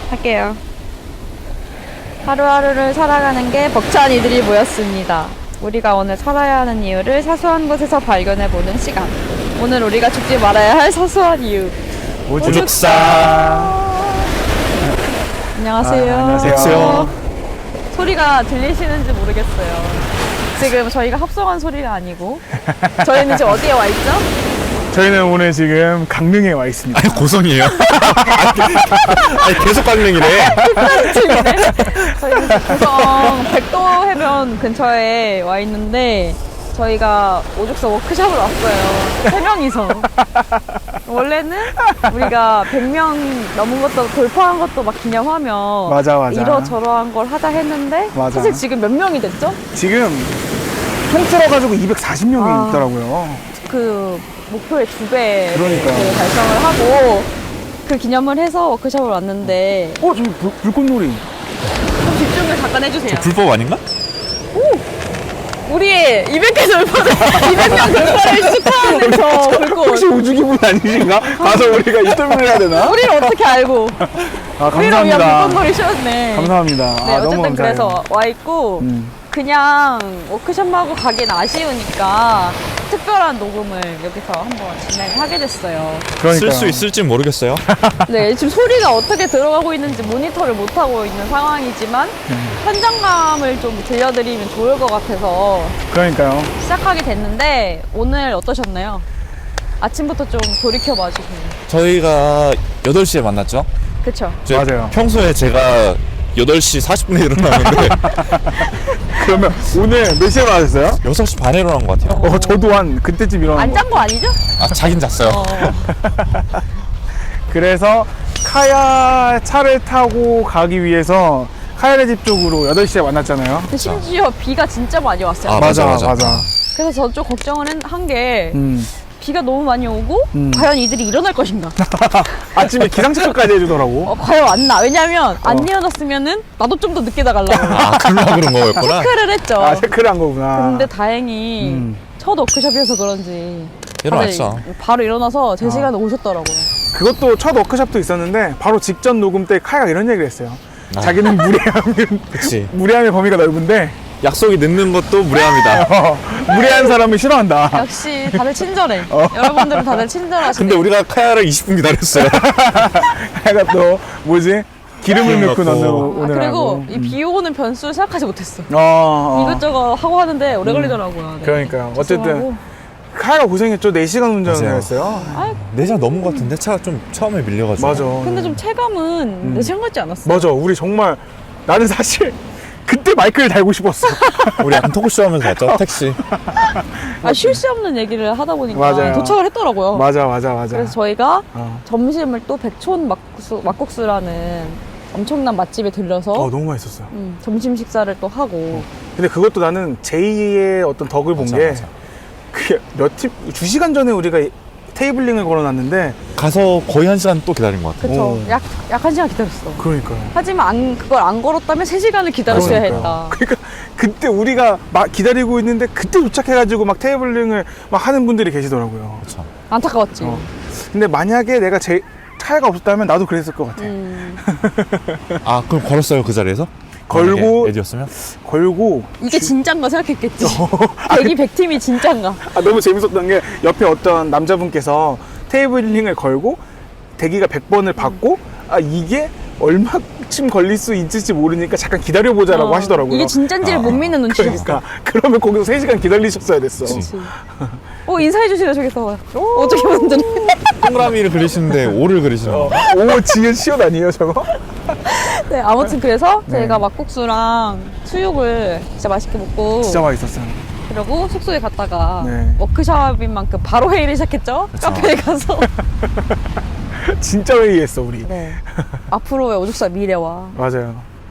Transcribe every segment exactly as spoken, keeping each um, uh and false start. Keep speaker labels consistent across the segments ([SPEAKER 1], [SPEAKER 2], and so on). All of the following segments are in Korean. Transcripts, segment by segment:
[SPEAKER 1] 할게요. 하루하루를 살아가는 게 벅찬 이들이 모였습니다. 우리가 오늘 살아야 하는 이유를 사소한 곳에서 발견해보는 시간. 오늘 우리가 죽지 말아야 할 사소한 이유.
[SPEAKER 2] 오죽사.
[SPEAKER 1] 안녕하세요.
[SPEAKER 2] 아, 안녕하세요.
[SPEAKER 1] 소리가 들리시는지 모르겠어요. 지금 저희가 합성한 소리가 아니고 저희는 지금 어디에 와 있죠?
[SPEAKER 2] 저희는 오늘 지금 강릉에 와 있습니다.
[SPEAKER 3] 아니 고성이에요? 아니 계속 강릉이래.
[SPEAKER 1] 저희는 지금 고성 백도 해변 근처에 와 있는데 저희가 오죽서 워크숍을 왔어요. 세 명이서. 원래는 우리가 백 명 넘은 것도 돌파한 것도 막 기념하며
[SPEAKER 2] 맞아, 맞아.
[SPEAKER 1] 이러저러한 걸 하자 했는데
[SPEAKER 2] 맞아.
[SPEAKER 1] 사실 지금 몇 명이 됐죠?
[SPEAKER 2] 지금 통틀어가지고 이백사십 명이
[SPEAKER 1] 아.
[SPEAKER 2] 있더라고요.
[SPEAKER 1] 그 목표의 두 배
[SPEAKER 2] 그러니까.
[SPEAKER 1] 달성을 하고 그 기념을 해서 워크숍을 왔는데
[SPEAKER 2] 어, 저기 불, 불꽃놀이.
[SPEAKER 1] 좀 집중을 잠깐 해주세요.
[SPEAKER 3] 불법 아닌가?
[SPEAKER 1] 우리의 이백 개 돌파를 이백 명 돌파를 축하하는 저 불꽃.
[SPEAKER 2] 혹시 우주기분 아니신가? 가서 우리가 인터뷰를 해야 되나?
[SPEAKER 1] 우리를 어떻게 알고?
[SPEAKER 2] 아,
[SPEAKER 1] 우리를 위한
[SPEAKER 2] 감사합니다.
[SPEAKER 1] 불꽃놀이 쇼였네.
[SPEAKER 2] 감사합니다.
[SPEAKER 1] 네,
[SPEAKER 2] 아, 너무
[SPEAKER 1] 어쨌든
[SPEAKER 2] 감사해요.
[SPEAKER 1] 그래서 와 있고
[SPEAKER 2] 음.
[SPEAKER 1] 그냥 워크숍하고 가긴 아쉬우니까 특별한 녹음을 여기서 한번 진행하게 됐어요.
[SPEAKER 3] 쓸 수 있을지 모르겠어요.
[SPEAKER 1] 네, 지금 소리가 어떻게 들어가고 있는지 모니터를 못 하고 있는 상황이지만
[SPEAKER 2] 음.
[SPEAKER 1] 현장감을 좀 들려드리면 좋을 것 같아서
[SPEAKER 2] 그러니까요.
[SPEAKER 1] 시작하게 됐는데 오늘 어떠셨나요? 아침부터 좀 돌이켜봐 주세요.
[SPEAKER 3] 저희가 여덟 시에 만났죠?
[SPEAKER 1] 그쵸?
[SPEAKER 3] 저
[SPEAKER 2] 맞아요.
[SPEAKER 3] 평소에 제가 여덟 시 사십 분에 일어나는데
[SPEAKER 2] 그러면 오늘 몇 시에 나왔어요?
[SPEAKER 3] 여섯 시 반에 일어난 것 같아요.
[SPEAKER 2] 어, 저도 한 그때쯤 일어난
[SPEAKER 1] 안
[SPEAKER 2] 거.
[SPEAKER 1] 잔 거 아니죠?
[SPEAKER 3] 아 자긴 잤어요.
[SPEAKER 1] 어.
[SPEAKER 2] 그래서 카야 차를 타고 가기 위해서 카야네 집 쪽으로 여덟 시에 만났잖아요.
[SPEAKER 1] 근데 심지어 비가 진짜 많이 왔어요.
[SPEAKER 3] 아, 맞아, 맞아.
[SPEAKER 1] 그래서 저 좀 걱정을 한 게
[SPEAKER 2] 음.
[SPEAKER 1] 비가 너무 많이 오고
[SPEAKER 2] 음.
[SPEAKER 1] 과연 이들이 일어날 것인가?
[SPEAKER 2] 아침에 기상체크까지 해주더라고.
[SPEAKER 1] 어, 과연 왔나? 왜냐면 안
[SPEAKER 2] 어.
[SPEAKER 1] 일어났으면은 나도 좀 더 늦게 나가려고
[SPEAKER 3] 아 그러려고 그런 거였구나.
[SPEAKER 1] 체크를 했죠.
[SPEAKER 2] 아, 체크를 한 거구나.
[SPEAKER 1] 근데 다행히
[SPEAKER 2] 음.
[SPEAKER 1] 첫 워크숍이어서 그런지
[SPEAKER 3] 일어났죠.
[SPEAKER 1] 다들 바로 일어나서 제
[SPEAKER 2] 아.
[SPEAKER 1] 시간에 오셨더라고요.
[SPEAKER 2] 그것도 첫 워크숍도 있었는데 바로 직전 녹음 때 카야가 이런 얘기를 했어요.
[SPEAKER 3] 아.
[SPEAKER 2] 자기는 무례함이,
[SPEAKER 3] 그치.
[SPEAKER 2] 무례함의 범위가 넓은데
[SPEAKER 3] 약속이 늦는 것도 무례합니다.
[SPEAKER 2] 어, 무례한 사람을 싫어한다.
[SPEAKER 1] 역시 다들 친절해.
[SPEAKER 2] 어.
[SPEAKER 1] 여러분들은 다들 친절하시네.
[SPEAKER 3] 근데 우리가 카야를 이십 분 기다렸어요.
[SPEAKER 2] 카야가 또 뭐지? 기름을
[SPEAKER 3] 기름
[SPEAKER 2] 넣고
[SPEAKER 3] 넣고.
[SPEAKER 2] 넣는
[SPEAKER 1] 아,
[SPEAKER 2] 오느라고.
[SPEAKER 1] 그리고 이 비 오는 변수를 생각하지 못했어.
[SPEAKER 2] 어, 어.
[SPEAKER 1] 이것저것 하고 하는데 오래 걸리더라고요. 네.
[SPEAKER 2] 그러니까요. 어쨌든
[SPEAKER 1] 죄송하고.
[SPEAKER 2] 카야가 고생했죠. 네 시간 운전을
[SPEAKER 3] 맞아요.
[SPEAKER 2] 했어요.
[SPEAKER 1] 아,
[SPEAKER 3] 네 시간 넘은 것 같은데 차가 좀 처음에 밀려가지고.
[SPEAKER 2] 맞아.
[SPEAKER 1] 근데 좀 체감은 내 생각 같지 않았어.
[SPEAKER 2] 맞아. 우리 정말 나는 사실 그때 마이크를 달고 싶었어.
[SPEAKER 3] 우리 약간 토크쇼 하면서 왔죠? 택시.
[SPEAKER 1] 아, 쉴 새 없는 얘기를 하다 보니까
[SPEAKER 2] 맞아요.
[SPEAKER 1] 도착을 했더라고요.
[SPEAKER 2] 맞아, 맞아, 맞아.
[SPEAKER 1] 그래서 저희가
[SPEAKER 2] 어.
[SPEAKER 1] 점심을 또 백촌 막국수, 막국수라는 엄청난 맛집에 들려서
[SPEAKER 2] 어, 너무 맛있었어요.
[SPEAKER 1] 음, 점심 식사를 또 하고
[SPEAKER 2] 근데 그것도 나는 제이의 어떤 덕을 본
[SPEAKER 3] 맞아,
[SPEAKER 2] 게
[SPEAKER 3] 맞아.
[SPEAKER 2] 그게 몇 팀, 두 시간 전에 우리가 테이블링을 걸어놨는데
[SPEAKER 3] 가서 거의 한 시간 또 기다린 것 같아요.
[SPEAKER 1] 그쵸.
[SPEAKER 2] 오.
[SPEAKER 1] 약, 약 한 시간 기다렸어.
[SPEAKER 2] 그러니까요.
[SPEAKER 1] 하지만 안, 그걸 안 걸었다면 세 시간을 기다렸어야
[SPEAKER 2] 그러니까요.
[SPEAKER 1] 했다.
[SPEAKER 2] 그러니까 그때 우리가 막 기다리고 있는데 그때 도착해가지고 막 테이블링을 막 하는 분들이 계시더라고요.
[SPEAKER 3] 그렇죠.
[SPEAKER 1] 안타까웠지.
[SPEAKER 2] 어. 근데 만약에 내가 제 차이가 없었다면 나도 그랬을 것 같아.
[SPEAKER 1] 음,
[SPEAKER 3] 아 그럼 걸었어요 그 자리에서?
[SPEAKER 2] 걸고
[SPEAKER 3] 만약에 에디였으면?
[SPEAKER 2] 걸고
[SPEAKER 1] 이게 진짠가 생각했겠지.
[SPEAKER 2] 어.
[SPEAKER 1] 백이 백 팀이 진짠가.
[SPEAKER 2] 아, 너무 재밌었던 게 옆에 어떤 남자분께서 테이블링을 걸고 대기가 백 번을 받고 아 이게 얼마쯤 걸릴 수 있을지 모르니까 잠깐 기다려보자라고
[SPEAKER 1] 어,
[SPEAKER 2] 하시더라고요.
[SPEAKER 1] 이게 진짠지를
[SPEAKER 3] 아,
[SPEAKER 1] 못 믿는 눈치였어.
[SPEAKER 2] 그러니까 그러면 거기서 세 시간 기다리셨어야 됐어.
[SPEAKER 3] 그치.
[SPEAKER 1] 어, 인사해주시네, 저기서. 어떻게 분들이.
[SPEAKER 3] 동그라미를 그리시는데 오를 그리시는
[SPEAKER 2] 어,
[SPEAKER 3] 거.
[SPEAKER 2] 오 지은 시옷 아니에요 저거?
[SPEAKER 1] 네, 아무튼 그래서
[SPEAKER 2] 네.
[SPEAKER 1] 저희가 막국수랑 수육을 진짜 맛있게 먹고.
[SPEAKER 2] 진짜 맛있었어요.
[SPEAKER 1] 그리고 숙소에 갔다가
[SPEAKER 2] 네.
[SPEAKER 1] 워크숍인 만큼 바로 회의를 시작했죠.
[SPEAKER 3] 그쵸.
[SPEAKER 1] 카페에 가서.
[SPEAKER 2] 진짜 회의했어 우리.
[SPEAKER 1] 네. 앞으로의 오죽사 미래와.
[SPEAKER 2] 맞아요.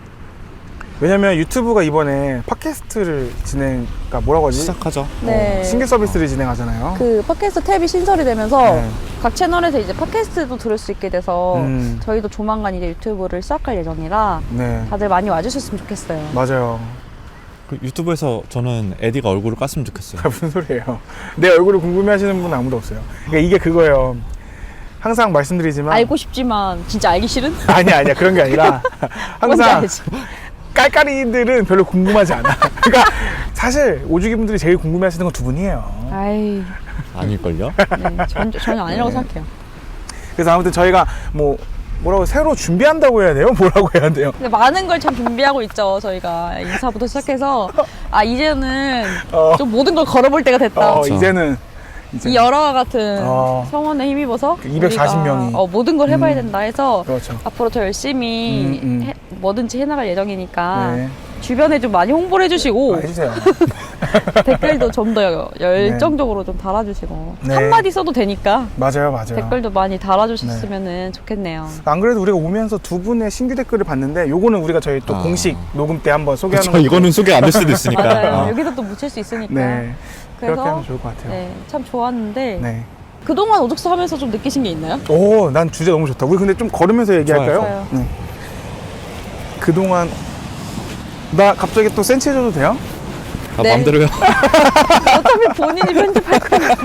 [SPEAKER 2] 왜냐면 유튜브가 이번에 팟캐스트를 진행, 그러니까 뭐라고 하지?
[SPEAKER 3] 시작하죠.
[SPEAKER 1] 네.
[SPEAKER 2] 어, 신규 서비스를 진행하잖아요.
[SPEAKER 1] 그 팟캐스트 탭이 신설이 되면서
[SPEAKER 2] 네.
[SPEAKER 1] 각 채널에서 이제 팟캐스트도 들을 수 있게 돼서
[SPEAKER 2] 음.
[SPEAKER 1] 저희도 조만간 이제 유튜브를 시작할 예정이라
[SPEAKER 2] 네,
[SPEAKER 1] 다들 많이 와주셨으면 좋겠어요.
[SPEAKER 2] 맞아요.
[SPEAKER 3] 그 유튜브에서 저는 에디가 얼굴을 깠으면 좋겠어요.
[SPEAKER 2] 무슨 소리예요? 내 얼굴을 궁금해하시는 분은 아무도 없어요. 그러니까 이게 그거예요. 항상 말씀드리지만
[SPEAKER 1] 알고 싶지만 진짜 알기 싫은?
[SPEAKER 2] 아니야 아니야 그런 게 아니라
[SPEAKER 1] 뭔지
[SPEAKER 2] 항상
[SPEAKER 1] 알지?
[SPEAKER 2] 깔깔이들은 별로 궁금하지 않아. 그러니까 사실 오주기 분들이 제일 궁금해하시는 건 두 분이에요.
[SPEAKER 1] 아이,
[SPEAKER 3] 아닐걸요?
[SPEAKER 1] 네, 전, 전혀 아니라고
[SPEAKER 2] 네.
[SPEAKER 1] 생각해요.
[SPEAKER 2] 그래서 아무튼 저희가 뭐 뭐라고 새로 준비한다고 해야 돼요? 뭐라고 해야 돼요?
[SPEAKER 1] 근데 많은 걸 참 준비하고 있죠. 저희가 인사부터 시작해서 아 이제는
[SPEAKER 2] 어.
[SPEAKER 1] 좀 모든 걸 걸어볼 때가 됐다.
[SPEAKER 2] 어,
[SPEAKER 3] 그렇죠.
[SPEAKER 2] 이제는 이제
[SPEAKER 1] 이 열화와 같은
[SPEAKER 2] 어.
[SPEAKER 1] 성원에 힘입어서
[SPEAKER 2] 이백사십 명이.
[SPEAKER 1] 우리가, 어, 모든 걸 해봐야
[SPEAKER 2] 음.
[SPEAKER 1] 된다 해서
[SPEAKER 2] 그렇죠.
[SPEAKER 1] 앞으로 더 열심히
[SPEAKER 2] 음, 음.
[SPEAKER 1] 해- 뭐든지 해나갈 예정이니까
[SPEAKER 2] 네.
[SPEAKER 1] 주변에 좀 많이 홍보를 해주시고
[SPEAKER 2] 아, 해주세요.
[SPEAKER 1] 댓글도 좀 더 열정적으로 좀 달아주시고
[SPEAKER 2] 네.
[SPEAKER 1] 한마디 써도 되니까
[SPEAKER 2] 맞아요, 맞아요.
[SPEAKER 1] 댓글도 많이 달아주셨으면 좋겠네요.
[SPEAKER 2] 안 그래도 우리가 오면서 두 분의 신규 댓글을 봤는데 요거는 우리가 저희 또
[SPEAKER 3] 아.
[SPEAKER 2] 공식 녹음 때 한번 소개하는
[SPEAKER 3] 그쵸, 이거는 소개 안 될 수도 있으니까.
[SPEAKER 1] 맞아요.
[SPEAKER 3] 어.
[SPEAKER 1] 여기서 또 묻힐 수 있으니까.
[SPEAKER 2] 네. 그렇게
[SPEAKER 1] 그래서
[SPEAKER 2] 하면 좋을 것 같아요.
[SPEAKER 1] 네, 참 좋았는데
[SPEAKER 2] 네.
[SPEAKER 1] 그동안 오죽서 하면서 좀 느끼신 게 있나요?
[SPEAKER 2] 오, 난 주제 너무 좋다. 우리 근데 좀 걸으면서 얘기할까요?
[SPEAKER 1] 좋아요.
[SPEAKER 2] 네. 그동안 나 갑자기 또 센치해줘도 돼요?
[SPEAKER 3] 아,
[SPEAKER 1] 네.
[SPEAKER 3] 마음대로요.
[SPEAKER 1] 어차피 본인이 편집할 거니까.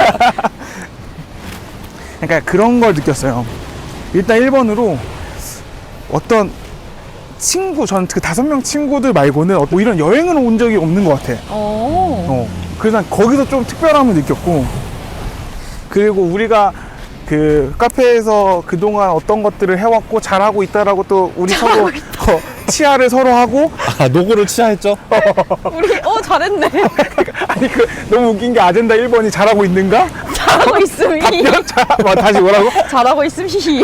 [SPEAKER 2] 그러니까 그런 걸 느꼈어요. 일단 일 번으로 어떤 친구, 전 그 다섯 명 친구들 말고는 뭐 이런 여행을 온 적이 없는 것 같아.
[SPEAKER 1] 어.
[SPEAKER 2] 어. 그래서 난 거기서 좀 특별함을 느꼈고, 그리고 우리가 그 카페에서 그동안 어떤 것들을 해왔고 잘하고 있다라고 또 우리 서로 어, 치아를 서로 하고
[SPEAKER 3] 아, 노고를 취하했죠?
[SPEAKER 1] 우리 어 잘했네.
[SPEAKER 2] 아니 그 너무 웃긴 게 아젠다 일 번이 잘하고 있는가?
[SPEAKER 1] 잘하고 있음 히.
[SPEAKER 2] 자, 뭐, 다시 뭐라고?
[SPEAKER 1] 잘하고 있음 히히.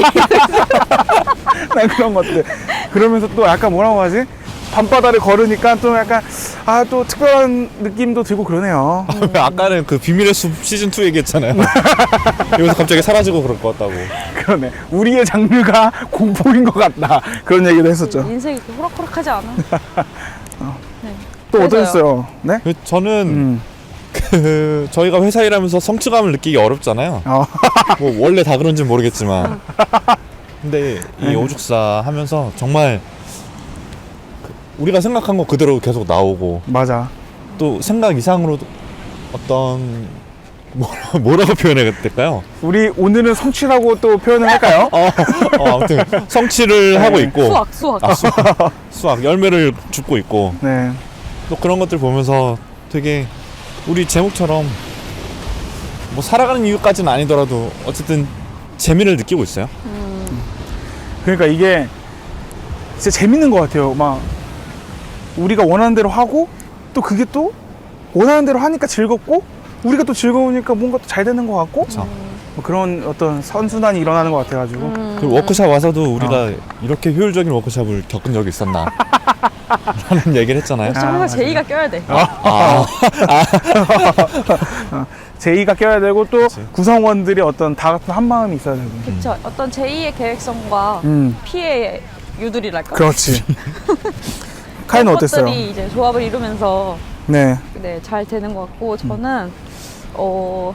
[SPEAKER 2] 난 그런 것들. 그러면서 또 약간 뭐라고 하지? 밤바다를 걸으니까 좀 약간 아 또 특별한 느낌도 들고 그러네요.
[SPEAKER 3] 아까는 그 비밀의 숲 시즌이 얘기했잖아요. 여기서 갑자기 사라지고 그럴 것 같다고.
[SPEAKER 2] 그러네. 우리의 장르가 공포인 것 같다. 그런 얘기도 했었죠.
[SPEAKER 1] 인생이 그렇게 호락호락하지 않아. 네.
[SPEAKER 2] 또
[SPEAKER 1] 그래서요.
[SPEAKER 2] 어떠셨어요? 네?
[SPEAKER 3] 그 저는
[SPEAKER 2] 음.
[SPEAKER 3] 그 저희가 회사 일하면서 성취감을 느끼기 어렵잖아요.
[SPEAKER 2] 어.
[SPEAKER 3] 뭐 원래 다 그런지 는 모르겠지만. 근데 이
[SPEAKER 2] 네.
[SPEAKER 3] 오죽사 하면서 정말 그 우리가 생각한 거 그대로 계속 나오고
[SPEAKER 2] 맞아.
[SPEAKER 3] 또 생각 이상으로 어떤 뭐라, 뭐라고 표현해야 될까요?
[SPEAKER 2] 우리 오늘은 성취라고 또 표현을 할까요?
[SPEAKER 3] 어, 어, 아무튼 성취를
[SPEAKER 2] 네.
[SPEAKER 3] 하고 있고
[SPEAKER 1] 수학 수학.
[SPEAKER 3] 아, 수학, 수학 열매를 줍고 있고
[SPEAKER 2] 네.
[SPEAKER 3] 또 그런 것들 보면서 되게 우리 제목처럼 뭐 살아가는 이유까지는 아니더라도 어쨌든 재미를 느끼고 있어요.
[SPEAKER 2] 그러니까 이게 진짜 재밌는 것 같아요. 막 우리가 원하는 대로 하고 또 그게 또 원하는 대로 하니까 즐겁고 우리가 또 즐거우니까 뭔가 또 잘 되는 것 같고
[SPEAKER 3] 그쵸.
[SPEAKER 2] 뭐 그런 어떤 선순환이 일어나는 것 같아가지고
[SPEAKER 1] 음.
[SPEAKER 3] 그리고 워크샵 와서도 우리가
[SPEAKER 2] 어.
[SPEAKER 3] 이렇게 효율적인 워크샵을 겪은 적이 있었나 라는 얘기를 했잖아요.
[SPEAKER 1] 역시
[SPEAKER 2] 아,
[SPEAKER 1] 항상
[SPEAKER 2] 맞아요.
[SPEAKER 1] 제이가 껴야 돼.
[SPEAKER 3] 아,
[SPEAKER 2] 제의가 껴야 되고 또 구성원들이 어떤 다 같은 한 마음이 있어야 되고.
[SPEAKER 1] 그렇죠. 어떤 제이의 계획성과
[SPEAKER 2] 음,
[SPEAKER 1] 피의 유들이랄까.
[SPEAKER 2] 그렇지. 카이는
[SPEAKER 1] 그런
[SPEAKER 2] 어땠어요?
[SPEAKER 1] 것들이 이제 조합을 이루면서
[SPEAKER 2] 네,
[SPEAKER 1] 네, 잘 되는 것 같고 저는 어,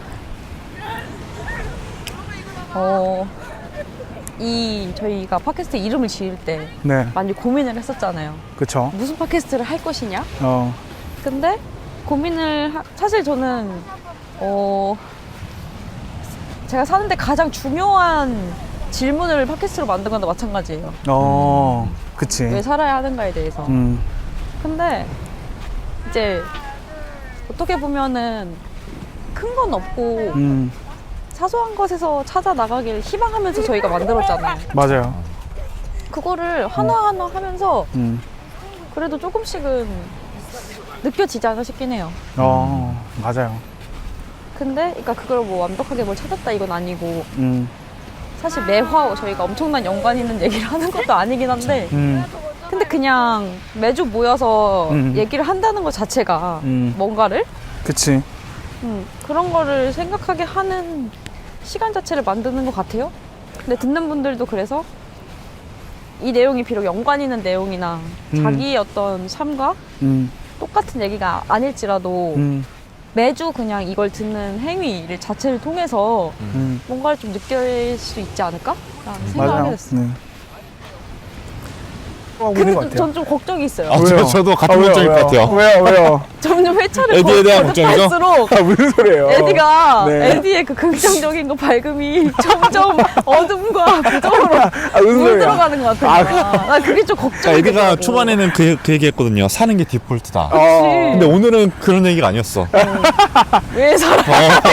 [SPEAKER 1] 어, 이 저희가 팟캐스트 이름을 지을 때
[SPEAKER 2] 네,
[SPEAKER 1] 많이 고민을 했었잖아요.
[SPEAKER 2] 그쵸.
[SPEAKER 1] 무슨 팟캐스트를 할 것이냐?
[SPEAKER 2] 어,
[SPEAKER 1] 근데 고민을 하, 사실 저는 어, 제가 사는데 가장 중요한 질문을 팟캐스트로 만든 건데 마찬가지예요.
[SPEAKER 2] 어, 그치.
[SPEAKER 1] 왜 살아야 하는가에 대해서.
[SPEAKER 2] 음,
[SPEAKER 1] 근데 이제 어떻게 보면은 큰 건 없고
[SPEAKER 2] 음,
[SPEAKER 1] 사소한 것에서 찾아 나가길 희망하면서 저희가 만들었잖아요.
[SPEAKER 2] 맞아요.
[SPEAKER 1] 그거를 하나하나 하면서
[SPEAKER 2] 음,
[SPEAKER 1] 그래도 조금씩은 느껴지지 않아 싶긴 해요.
[SPEAKER 2] 어, 맞아요.
[SPEAKER 1] 근데 그러니까 그걸 뭐 완벽하게 뭘 찾았다 이건 아니고
[SPEAKER 2] 음,
[SPEAKER 1] 사실 매화 저희가 엄청난 연관 있는 얘기를 하는 것도 아니긴 한데
[SPEAKER 2] 음,
[SPEAKER 1] 근데 그냥 매주 모여서
[SPEAKER 2] 음.
[SPEAKER 1] 얘기를 한다는 것 자체가
[SPEAKER 2] 음.
[SPEAKER 1] 뭔가를
[SPEAKER 2] 그치.
[SPEAKER 1] 음, 그런 거를 생각하게 하는 시간 자체를 만드는 것 같아요. 근데 듣는 분들도 그래서 이 내용이 비록 연관 있는 내용이나
[SPEAKER 2] 음.
[SPEAKER 1] 자기의 어떤 삶과
[SPEAKER 2] 음,
[SPEAKER 1] 똑같은 얘기가 아닐지라도
[SPEAKER 2] 음,
[SPEAKER 1] 매주 그냥 이걸 듣는 행위를 자체를 통해서
[SPEAKER 2] 음.
[SPEAKER 1] 뭔가를 좀 느낄 수 있지 않을까? 라는 생각을 하게
[SPEAKER 2] 맞아요.
[SPEAKER 1] 됐어요.
[SPEAKER 2] 네. 하고 있는 것 같아요.
[SPEAKER 1] 전 좀 걱정이 있어요.
[SPEAKER 3] 아,
[SPEAKER 2] 왜요?
[SPEAKER 3] 저, 저도 같은
[SPEAKER 2] 아, 왜요,
[SPEAKER 3] 걱정일 것
[SPEAKER 2] 왜요?
[SPEAKER 3] 같아요.
[SPEAKER 2] 왜요, 왜요?
[SPEAKER 1] 점점 회차를
[SPEAKER 3] 에디에 대한 걱정이죠?
[SPEAKER 1] 거듭할수록
[SPEAKER 2] 아, 무슨 소리예요?
[SPEAKER 1] 에디가
[SPEAKER 2] 네.
[SPEAKER 1] 에디의 그 긍정적인 거 밝음이 점점 어둠과 부정으로
[SPEAKER 2] 아, 무슨 소리야?
[SPEAKER 1] 물들어가는 것 같아요. 나 그게 좀
[SPEAKER 3] 자,
[SPEAKER 1] 걱정이
[SPEAKER 3] 에디가
[SPEAKER 1] 되더라고.
[SPEAKER 3] 초반에는 그, 그 얘기했거든요. 사는 게 디폴트다.
[SPEAKER 2] 어.
[SPEAKER 3] 근데 오늘은 그런 얘기가 아니었어.
[SPEAKER 1] 왜 살아?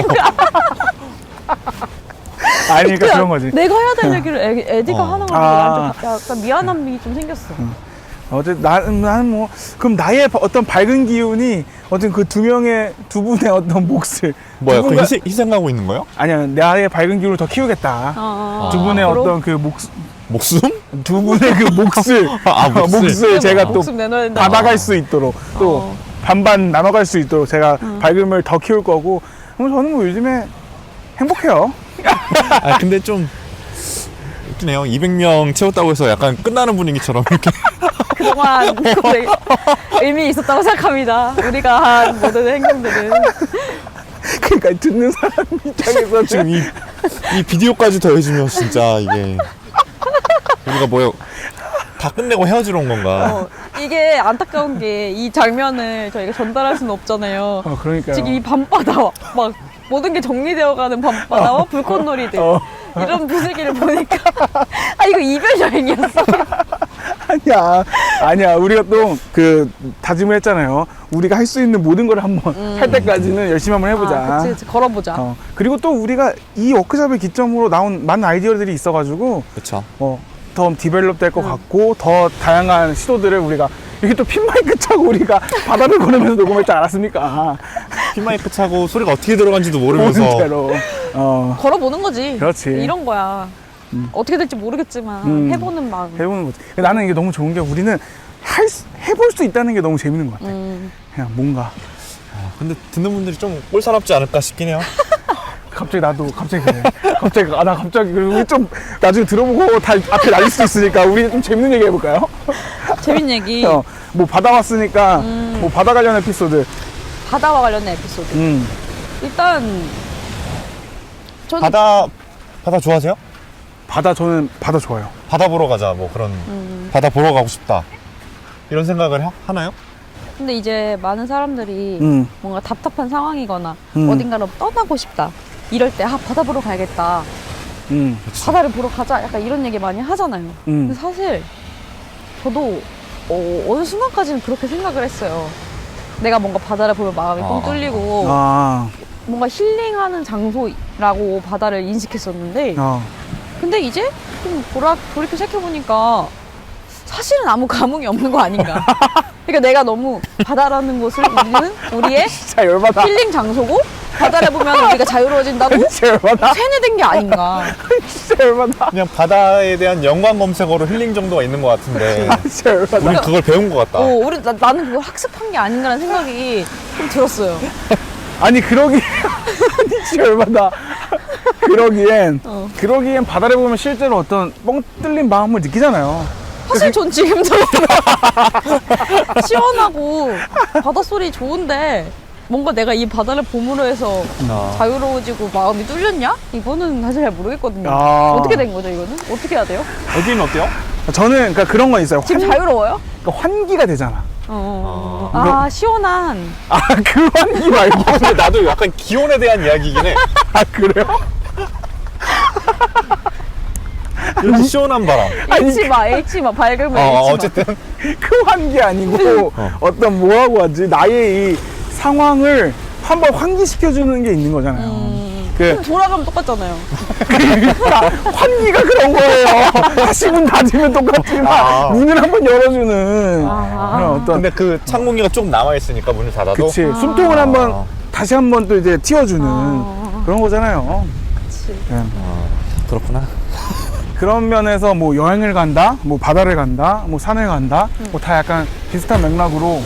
[SPEAKER 2] 아니, 그러니까 그런 거지.
[SPEAKER 1] 내가 해야 될 얘기를 에, 에디가
[SPEAKER 3] 어.
[SPEAKER 1] 하는 거지.
[SPEAKER 2] 아.
[SPEAKER 1] 난 좀 약간 미안함이 좀 생겼어.
[SPEAKER 2] 어쨌든 나는, 나는 뭐 그럼 나의 어떤 밝은 기운이 어쨌든 그 두 명의 두 분의 어떤 몫을
[SPEAKER 3] 뭐야, 그
[SPEAKER 2] 누군가-
[SPEAKER 3] 희생, 희생하고 있는 거예요?
[SPEAKER 2] 아니야 나의 밝은 기운을 더 키우겠다.
[SPEAKER 1] 어,
[SPEAKER 2] 두 분의
[SPEAKER 1] 앞으로
[SPEAKER 2] 어떤 그 몫,
[SPEAKER 3] 목숨?
[SPEAKER 2] 두 분의 그 몫을
[SPEAKER 3] 아,
[SPEAKER 2] 어,
[SPEAKER 3] 몫을.
[SPEAKER 2] 몫을 제가 또
[SPEAKER 1] 목숨 내놔야 된다.
[SPEAKER 2] 받아갈 수 있도록 또
[SPEAKER 1] 어.
[SPEAKER 2] 반반 나눠갈 수 있도록 제가 밝음을 더 키울 거고. 그럼 저는 뭐 요즘에 행복해요.
[SPEAKER 3] 아, 근데 좀 웃기네요. 이백 명 채웠다고 해서 약간 끝나는 분위기처럼 이렇게.
[SPEAKER 1] 그동안 되게 의미 있었다고 생각합니다. 우리가 한 모든 행동들은.
[SPEAKER 2] 그러니까 듣는 사람 입장에서
[SPEAKER 3] 지금 이, 이 비디오까지 더해지면 진짜 이게 우리가 뭐요? 다 끝내고 헤어지러 온 건가?
[SPEAKER 1] 어, 이게 안타까운 게 이 장면을 저희가 전달할 수는 없잖아요.
[SPEAKER 2] 어, 그러니까요.
[SPEAKER 1] 지금 이 밤바다와 막 모든 게 정리되어가는 밤바다와 불꽃놀이들
[SPEAKER 2] 어.
[SPEAKER 1] 이런 분위기를 보니까 아 이거 이별 여행이었어.
[SPEAKER 2] 아니야, 아니야. 우리가 또 그 다짐을 했잖아요. 우리가 할 수 있는 모든 걸 한번 할 때까지는 열심히 한번 해보자.
[SPEAKER 1] 아, 그치, 그치. 걸어보자.
[SPEAKER 2] 어, 그리고 또 우리가 이 워크숍을 기점으로 나온 많은 아이디어들이 있어가지고
[SPEAKER 3] 그렇죠.
[SPEAKER 2] 어, 더 디벨롭 될 것 같고 더 다양한 시도들을 우리가 이렇게 또 핀마이크 차고 우리가 바다를 걸으면서 녹음했지 않았습니까?
[SPEAKER 3] 피마이크 차고 소리가 어떻게 들어간지도 모르면서
[SPEAKER 2] 모든 대로. 어,
[SPEAKER 1] 걸어보는 거지.
[SPEAKER 2] 그렇지.
[SPEAKER 1] 이런 거야. 어떻게 될지 모르겠지만
[SPEAKER 2] 음.
[SPEAKER 1] 해보는 마음.
[SPEAKER 2] 해보는 거지. 나는 이게 너무 좋은 게 우리는 할, 수- 해볼 수 있다는 게 너무 재밌는 것 같아.
[SPEAKER 1] 음.
[SPEAKER 2] 그냥 뭔가.
[SPEAKER 3] 아, 근데 듣는 분들이 좀 꼴사납지 않을까 싶긴 해요.
[SPEAKER 2] 갑자기 나도 갑자기 그래. 갑자기 아 나 갑자기 그리고 우리 좀 나중에 들어보고 다 앞에 날릴 수도 있으니까 우리 좀 재밌는 얘기 해볼까요?
[SPEAKER 1] 재밌는 얘기.
[SPEAKER 2] 어, 뭐 바다 왔으니까 뭐 바다 관련 에피소드.
[SPEAKER 1] 바다와 관련된 에피소드.
[SPEAKER 2] 음.
[SPEAKER 1] 일단 저는
[SPEAKER 3] 바다 바다 좋아하세요?
[SPEAKER 2] 바다 저는 바다 좋아요.
[SPEAKER 3] 바다 보러 가자 뭐 그런
[SPEAKER 1] 음.
[SPEAKER 3] 바다 보러 가고 싶다 이런 생각을 하, 하나요?
[SPEAKER 1] 근데 이제 많은 사람들이
[SPEAKER 2] 음.
[SPEAKER 1] 뭔가 답답한 상황이거나
[SPEAKER 2] 음.
[SPEAKER 1] 어딘가로 떠나고 싶다. 이럴 때 아 바다 보러 가야겠다.
[SPEAKER 2] 음.
[SPEAKER 1] 바다를 보러 가자. 약간 이런 얘기 많이 하잖아요. 근데
[SPEAKER 2] 음.
[SPEAKER 1] 사실 저도 어, 어느 순간까지는 그렇게 생각을 했어요. 내가 뭔가 바다를 보면 마음이 뻥
[SPEAKER 3] 아.
[SPEAKER 1] 뚫리고
[SPEAKER 2] 아.
[SPEAKER 1] 뭔가 힐링하는 장소라고 바다를 인식했었는데
[SPEAKER 2] 어.
[SPEAKER 1] 근데 이제 좀 돌아, 돌이켜 생각해보니까 사실은 아무 감흥이 없는 거 아닌가. 그러니까 내가 너무 바다라는 곳을 우리는 우리의
[SPEAKER 2] 진짜 열받아.
[SPEAKER 1] 힐링 장소고 바다를 보면 우리가 자유로워진다고
[SPEAKER 2] 진짜 열받아.
[SPEAKER 1] 세뇌된 게 아닌가.
[SPEAKER 2] 진짜 열받아.
[SPEAKER 3] 그냥 바다에 대한 연관 검색어로 힐링 정도가 있는 것 같은데
[SPEAKER 2] 진짜 열받아.
[SPEAKER 3] 우리 그걸 배운 것 같다.
[SPEAKER 1] 어, 우리, 나, 나는 그걸 학습한 게 아닌가라는 생각이 좀 들었어요.
[SPEAKER 2] 아니 그러기 아니 진짜 열받아. 그러기엔
[SPEAKER 1] 어.
[SPEAKER 2] 그러기엔 바다를 보면 실제로 어떤 뻥 뚫린 마음을 느끼잖아요.
[SPEAKER 1] 사실 전 지금도 시원하고 바닷소리 좋은데 뭔가 내가 이 바다를 봄으로 해서
[SPEAKER 3] 아.
[SPEAKER 1] 자유로워지고 마음이 뚫렸냐? 이거는 사실 잘 모르겠거든요.
[SPEAKER 2] 아.
[SPEAKER 1] 어떻게 된 거죠, 이거는? 어떻게 해야 돼요?
[SPEAKER 3] 여기는 어때요?
[SPEAKER 2] 저는 그러니까 그런 건 있어요.
[SPEAKER 1] 지금
[SPEAKER 2] 환,
[SPEAKER 1] 자유로워요?
[SPEAKER 2] 그러니까 환기가 되잖아.
[SPEAKER 1] 어.
[SPEAKER 2] 아.
[SPEAKER 1] 아, 시원한.
[SPEAKER 2] 아 그 환기 말고.
[SPEAKER 3] 근데 나도 약간 기온에 대한 이야기이긴 해.
[SPEAKER 2] 아 그래요?
[SPEAKER 3] 이렇게 시원한 바람.
[SPEAKER 1] H마, H마, 밝으면
[SPEAKER 3] 어,
[SPEAKER 1] H마.
[SPEAKER 3] 어쨌든
[SPEAKER 2] 그 환기 아니고
[SPEAKER 3] 어.
[SPEAKER 2] 어떤 뭐라고 하지 나의 이 상황을 한번 환기시켜주는 게 있는 거잖아요.
[SPEAKER 1] 음.
[SPEAKER 2] 그
[SPEAKER 1] 그럼 돌아가면 똑같잖아요.
[SPEAKER 2] 그러니까 환기가 그런 거예요. 다시 문 닫으면 똑같지만
[SPEAKER 3] 아.
[SPEAKER 2] 문을 한번 열어주는
[SPEAKER 1] 아.
[SPEAKER 2] 그런 어떤
[SPEAKER 3] 근데 그 찬 공기가 조금 남아 있으니까 문을 닫아도
[SPEAKER 2] 그치 숨통을
[SPEAKER 3] 아.
[SPEAKER 2] 한번 다시 한번 또 이제 틔워주는
[SPEAKER 1] 아.
[SPEAKER 2] 그런 거잖아요.
[SPEAKER 1] 그치.
[SPEAKER 2] 예.
[SPEAKER 3] 그렇구나.
[SPEAKER 2] 그런 면에서 뭐 여행을 간다, 뭐 바다를 간다, 뭐 산을 간다, 뭐 다 약간 비슷한 맥락으로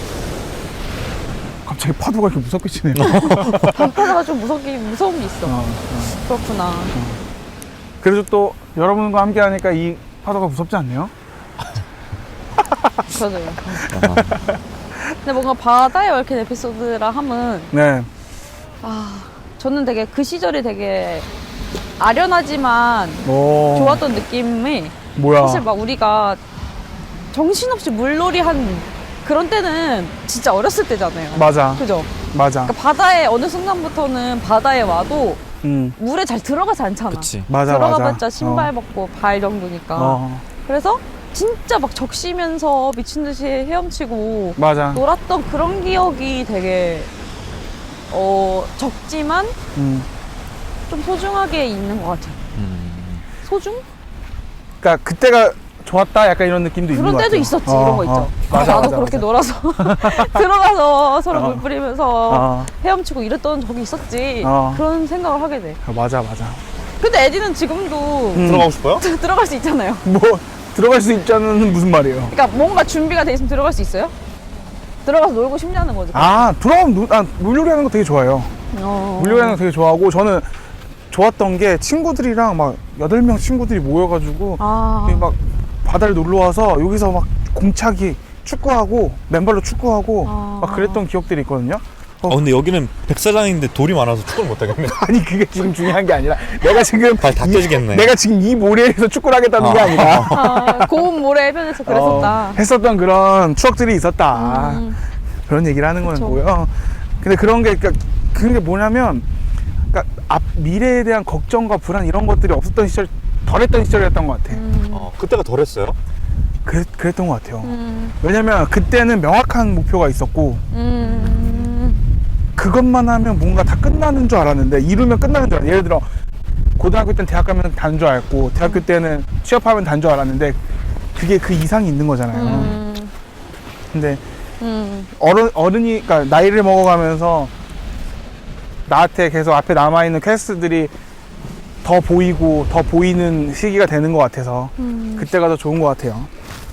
[SPEAKER 2] 갑자기 파도가 이렇게 무섭게 치네요.
[SPEAKER 1] 밤바다가 좀 무섭게, 무서운 게 있어.
[SPEAKER 2] 어, 어.
[SPEAKER 1] 그렇구나.
[SPEAKER 2] 그래도 또 여러분과 함께 하니까 이 파도가 무섭지 않네요?
[SPEAKER 1] 그러네요. 근데 뭔가 바다에 얽힌 에피소드라 함은
[SPEAKER 2] 네.
[SPEAKER 1] 아 저는 되게 그 시절이 되게 아련하지만
[SPEAKER 2] 오.
[SPEAKER 1] 좋았던 느낌이
[SPEAKER 2] 뭐야?
[SPEAKER 1] 사실 막 우리가 정신없이 물놀이 한 그런 때는 진짜 어렸을 때잖아요.
[SPEAKER 2] 맞아.
[SPEAKER 1] 그죠?
[SPEAKER 2] 맞아.
[SPEAKER 1] 그러니까 바다에 어느 순간부터는 바다에 와도
[SPEAKER 2] 음.
[SPEAKER 1] 물에 잘 들어가지 않잖아.
[SPEAKER 3] 그치.
[SPEAKER 2] 맞아,
[SPEAKER 1] 들어가봤자
[SPEAKER 2] 맞아.
[SPEAKER 1] 신발
[SPEAKER 2] 어.
[SPEAKER 1] 벗고 발 정도니까.
[SPEAKER 2] 어.
[SPEAKER 1] 그래서 진짜 막 적시면서 미친 듯이 헤엄치고
[SPEAKER 2] 맞아.
[SPEAKER 1] 놀았던 그런 기억이 되게 어 적지만
[SPEAKER 2] 음.
[SPEAKER 1] 좀 소중하게 있는 것 같아요.
[SPEAKER 3] 음.
[SPEAKER 1] 소중?
[SPEAKER 2] 그러니까 그때가 좋았다 약간 이런 느낌도 있는
[SPEAKER 1] 그런
[SPEAKER 2] 것
[SPEAKER 1] 때도
[SPEAKER 2] 같아요.
[SPEAKER 1] 있었지.
[SPEAKER 2] 어,
[SPEAKER 1] 이런 거 있죠.
[SPEAKER 2] 어. 맞아,
[SPEAKER 1] 나도
[SPEAKER 2] 맞아,
[SPEAKER 1] 그렇게
[SPEAKER 2] 맞아.
[SPEAKER 1] 놀아서 들어가서 서로
[SPEAKER 2] 어.
[SPEAKER 1] 물 뿌리면서
[SPEAKER 2] 어.
[SPEAKER 1] 헤엄치고 이랬던 적이 있었지.
[SPEAKER 2] 어.
[SPEAKER 1] 그런 생각을 하게 돼.
[SPEAKER 2] 아, 맞아 맞아.
[SPEAKER 1] 근데 에디는 지금도
[SPEAKER 2] 음.
[SPEAKER 3] 들어가고 싶어요?
[SPEAKER 1] 들어갈 수 있잖아요.
[SPEAKER 2] 뭐 들어갈 수 있자는 무슨 말이에요?
[SPEAKER 1] 그러니까 뭔가 준비가 돼 있으면 들어갈 수 있어요? 들어가서 놀고 싶냐는 거죠.
[SPEAKER 2] 아 들어가면 놀- 아, 물놀이 하는 거 되게 좋아해요.
[SPEAKER 1] 어.
[SPEAKER 2] 물놀이 하는 거 되게 좋아하고 저는 좋았던 게 친구들이랑 막 여덟 명 친구들이 모여가지고
[SPEAKER 1] 아.
[SPEAKER 2] 여기 막 바다를 놀러 와서 여기서 막 공차기 축구하고 맨발로 축구하고
[SPEAKER 1] 아.
[SPEAKER 2] 막 그랬던 기억들이 있거든요. 어.
[SPEAKER 3] 어 근데 여기는 백사장인데 돌이 많아서 축구를 못 하겠네.
[SPEAKER 2] 아니 그게 지금 중요한 게 아니라 내가 지금
[SPEAKER 3] 발 다
[SPEAKER 2] 이-
[SPEAKER 3] 깨지겠네.
[SPEAKER 2] 내가 지금 이 모래에서 축구를 하겠다는 게
[SPEAKER 3] 아.
[SPEAKER 2] 아니라
[SPEAKER 1] 아, 고운 모래 해변에서 그랬었다.
[SPEAKER 2] 어, 했었던 그런 추억들이 있었다.
[SPEAKER 1] 음.
[SPEAKER 2] 그런 얘기를 하는
[SPEAKER 1] 그쵸.
[SPEAKER 2] 거고요. 근데 그런 게 그러니까 그런 게 뭐냐면 그러니까 앞 미래에 대한 걱정과 불안 이런 것들이 없었던 시절, 덜했던 시절이었던 것 같아.
[SPEAKER 1] 음.
[SPEAKER 3] 어, 그때가 덜했어요?
[SPEAKER 2] 그랬, 그랬던 것 같아요.
[SPEAKER 1] 음.
[SPEAKER 2] 왜냐면 그때는 명확한 목표가 있었고
[SPEAKER 1] 음.
[SPEAKER 2] 그것만 하면 뭔가 다 끝나는 줄 알았는데 이루면 끝나는 줄 알았는데 예를 들어 고등학교 때는 대학 가면 다는 줄 알았고 대학교 때는 취업하면 다는 줄 알았는데 그게 그 이상이 있는 거잖아요.
[SPEAKER 1] 음.
[SPEAKER 2] 근데
[SPEAKER 1] 음.
[SPEAKER 2] 어른, 어른이, 그러니까 나이를 먹어가면서 나한테 계속 앞에 남아있는 퀘스트들이 더 보이고 더 보이는 시기가 되는 것 같아서
[SPEAKER 1] 음.
[SPEAKER 2] 그때가 더 좋은 것 같아요.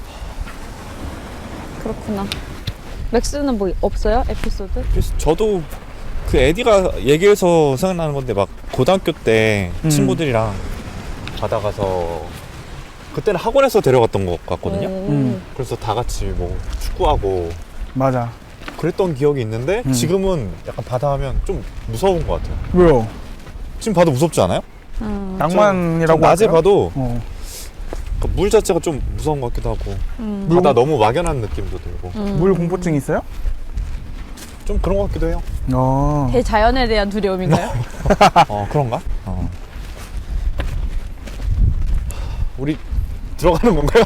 [SPEAKER 1] 그렇구나. 맥스는 뭐 없어요? 에피소드?
[SPEAKER 3] 그래서 저도 그 에디가 얘기해서 생각나는 건데 막 고등학교 때
[SPEAKER 2] 음.
[SPEAKER 3] 친구들이랑 바다 가서 그때는 학원에서 데려갔던 것 같거든요.
[SPEAKER 2] 음.
[SPEAKER 3] 그래서 다 같이 뭐 축구하고
[SPEAKER 2] 맞아.
[SPEAKER 3] 그랬던 기억이 있는데
[SPEAKER 2] 음.
[SPEAKER 3] 지금은 약간 바다 하면 좀 무서운 것 같아요.
[SPEAKER 2] 왜요?
[SPEAKER 3] 지금 봐도 무섭지 않아요?
[SPEAKER 1] 음.
[SPEAKER 2] 낭만이라고
[SPEAKER 3] 좀 낮에
[SPEAKER 2] 할까요?
[SPEAKER 3] 봐도
[SPEAKER 2] 어.
[SPEAKER 3] 그물 자체가 좀 무서운 것 같기도 하고
[SPEAKER 1] 음.
[SPEAKER 3] 바다 너무 막연한 느낌도 들고
[SPEAKER 1] 음.
[SPEAKER 2] 물 공포증 있어요?
[SPEAKER 3] 좀 그런 것 같기도 해요.
[SPEAKER 2] 어.
[SPEAKER 1] 대자연에 대한 두려움인가요?
[SPEAKER 3] 어 그런가? 어. 우리 들어가는 건가요?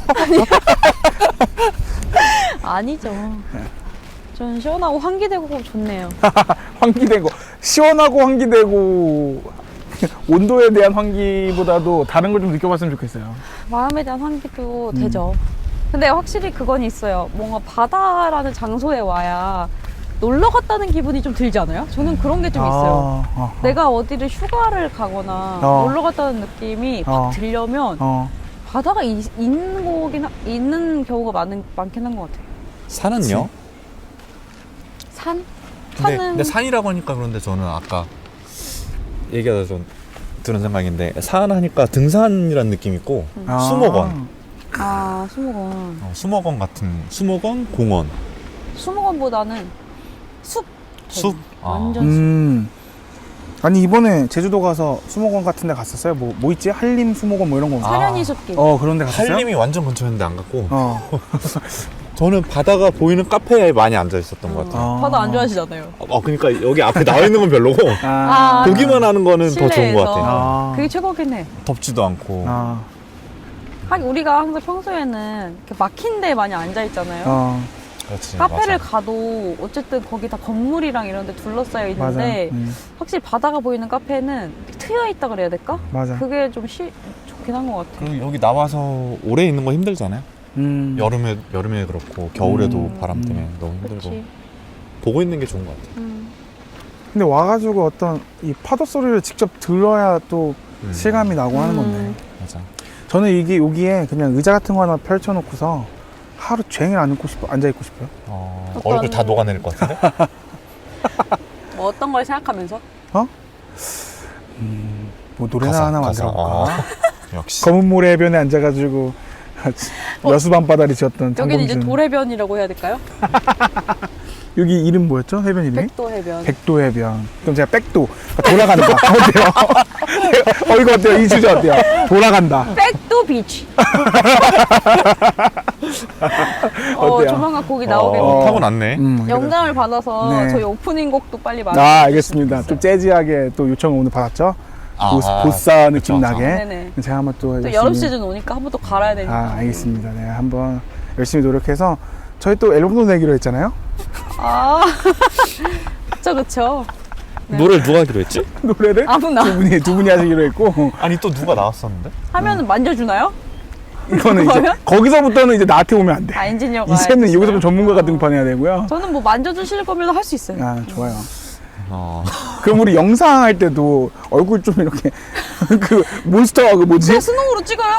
[SPEAKER 1] 아니죠. 전 시원하고 환기되고 좋네요.
[SPEAKER 2] 환기되고 시원하고 환기되고 온도에 대한 환기보다도 다른 걸 좀 느껴봤으면 좋겠어요.
[SPEAKER 1] 마음에 대한 환기도
[SPEAKER 2] 음.
[SPEAKER 1] 되죠. 근데 확실히 그건 있어요. 뭔가 바다라는 장소에 와야 놀러 갔다는 기분이 좀 들지 않아요? 저는 그런 게 좀 있어요.
[SPEAKER 2] 아, 어, 어.
[SPEAKER 1] 내가 어디를 휴가를 가거나
[SPEAKER 2] 어.
[SPEAKER 1] 놀러 갔다는 느낌이
[SPEAKER 2] 어.
[SPEAKER 1] 확 들려면
[SPEAKER 2] 어.
[SPEAKER 1] 바다가 이- 있는 거긴 하- 있는 경우가 많은 많긴 한 것 같아요.
[SPEAKER 3] 산은요?
[SPEAKER 1] 산?
[SPEAKER 3] 근데,
[SPEAKER 1] 산은
[SPEAKER 3] 근데 산이라고 하니까 그런데 저는 아까 얘기하다 좀 드는 생각인데 산 하니까 등산이라는 느낌이 있고
[SPEAKER 2] 아.
[SPEAKER 3] 수목원
[SPEAKER 1] 아 수목원.
[SPEAKER 3] 어, 수목원 같은 수목원 공원
[SPEAKER 1] 수목원보다는 숲.
[SPEAKER 3] 숲 아.
[SPEAKER 1] 완전 숲.
[SPEAKER 2] 음. 아니 이번에 제주도 가서 수목원 같은 데 갔었어요? 뭐, 뭐 있지? 한림 수목원 뭐 이런 거.
[SPEAKER 1] 사려니
[SPEAKER 3] 아.
[SPEAKER 1] 숲길.
[SPEAKER 2] 어 그런 데 갔었어요?
[SPEAKER 3] 한림이 완전 근처였는데 안 갔고
[SPEAKER 2] 어.
[SPEAKER 3] 저는 바다가 보이는 카페에 많이 앉아 있었던 것 같아요.
[SPEAKER 2] 아.
[SPEAKER 1] 바다 안 좋아하시잖아요.
[SPEAKER 3] 어, 그러니까 여기 앞에 나와 있는 건 별로고
[SPEAKER 2] 아.
[SPEAKER 1] 아.
[SPEAKER 3] 보기만 하는 거는 더 좋은 것
[SPEAKER 1] 실내에서.
[SPEAKER 3] 같아요.
[SPEAKER 2] 아.
[SPEAKER 1] 그게 최고긴 해.
[SPEAKER 3] 덥지도 않고
[SPEAKER 2] 아.
[SPEAKER 1] 하긴 우리가 항상 평소에는 이렇게 막힌 데 많이 앉아 있잖아요.
[SPEAKER 2] 어.
[SPEAKER 3] 그렇지,
[SPEAKER 1] 카페를
[SPEAKER 3] 맞아.
[SPEAKER 1] 가도 어쨌든 거기 다 건물이랑 이런 데 둘러싸여
[SPEAKER 2] 맞아.
[SPEAKER 1] 있는데
[SPEAKER 2] 음.
[SPEAKER 1] 확실히 바다가 보이는 카페는 트여 있다 그래야 될까?
[SPEAKER 2] 맞아.
[SPEAKER 1] 그게 좀 시, 좋긴 한 것 같아.
[SPEAKER 3] 그리고 여기 나와서 오래 있는 거 힘들잖아요.
[SPEAKER 2] 음.
[SPEAKER 3] 여름에 여름에 그렇고 겨울에도
[SPEAKER 2] 음.
[SPEAKER 3] 바람 때문에 너무 힘들고
[SPEAKER 1] 그렇지.
[SPEAKER 3] 보고 있는 게 좋은 것 같아요.
[SPEAKER 1] 음.
[SPEAKER 2] 근데 와가지고 어떤 이 파도 소리를 직접 들어야 또
[SPEAKER 3] 음.
[SPEAKER 2] 실감이 나고 하는
[SPEAKER 1] 음.
[SPEAKER 2] 건데.
[SPEAKER 3] 맞아.
[SPEAKER 2] 저는 이게 여기에 그냥 의자 같은 거 하나 펼쳐놓고서 하루 종일 앉고 싶어, 앉아 있고 싶어요.
[SPEAKER 3] 어,
[SPEAKER 1] 어떤-
[SPEAKER 3] 얼굴 다 녹아내릴 것 같은데?
[SPEAKER 1] 뭐 어떤 걸 생각하면서?
[SPEAKER 2] 음, 뭐 노래나
[SPEAKER 3] 가사,
[SPEAKER 2] 하나
[SPEAKER 3] 가사.
[SPEAKER 2] 만들어볼까?
[SPEAKER 3] 아, 역시.
[SPEAKER 2] 검은 모래 해변에 앉아가지고 여수 밤바다리 지었던
[SPEAKER 1] 여기는 이제
[SPEAKER 2] 장범준.
[SPEAKER 1] 도래변이라고 해야 될까요?
[SPEAKER 2] 여기 이름 뭐였죠? 해변 이름이?
[SPEAKER 1] 백도 해변.
[SPEAKER 2] 백도 해변. 그럼 제가 백도 돌아간다. 어때요? 어 이거 어때요? 이 주제 어때요? 돌아간다.
[SPEAKER 1] 백도 비치. 어,
[SPEAKER 2] 어때요?
[SPEAKER 1] 조만간 곡이
[SPEAKER 3] 어,
[SPEAKER 1] 나오겠네요.
[SPEAKER 3] 타고났네.
[SPEAKER 2] 음,
[SPEAKER 1] 영감을 받아서
[SPEAKER 2] 네.
[SPEAKER 1] 저희 오프닝 곡도 빨리
[SPEAKER 2] 아
[SPEAKER 1] 말해.
[SPEAKER 2] 알겠습니다. 좀 재즈하게 또 요청을 오늘 받았죠.
[SPEAKER 3] 아,
[SPEAKER 2] 보스,
[SPEAKER 3] 아,
[SPEAKER 2] 보사 느낌
[SPEAKER 3] 그쵸,
[SPEAKER 2] 나게.
[SPEAKER 1] 네네.
[SPEAKER 2] 제가 한번 또,
[SPEAKER 1] 또
[SPEAKER 2] 열심히-
[SPEAKER 1] 여름 시즌 오니까 한 번 또 갈아야 되니까.
[SPEAKER 2] 아 알겠습니다. 네 한번 열심히 노력해서 저희 또 앨범도 내기로 했잖아요.
[SPEAKER 1] 아, 그쵸 그쵸. 네.
[SPEAKER 3] 노래를 누가 하기로 했지?
[SPEAKER 2] 노래를
[SPEAKER 1] 아무나
[SPEAKER 2] 두 분이 두 분이 하시기로 했고
[SPEAKER 3] 아니 또 누가 나왔었는데?
[SPEAKER 1] 하면은 만져주나요?
[SPEAKER 2] 이거는 이제
[SPEAKER 1] 그러면?
[SPEAKER 2] 거기서부터는 이제 나한테 오면 안 돼.
[SPEAKER 1] 아 엔지니어가.
[SPEAKER 2] 이제는
[SPEAKER 1] 알겠어요.
[SPEAKER 2] 여기서 좀 전문가가 등판해야 되고요.
[SPEAKER 1] 저는 뭐 만져주실 거면 할 수 있어요.
[SPEAKER 2] 아 좋아요.
[SPEAKER 3] 어.
[SPEAKER 2] 그럼 우리 영상 할 때도 얼굴 좀 이렇게 그 몬스터 그 뭐지?
[SPEAKER 1] 그냥 스노우로 찍어요.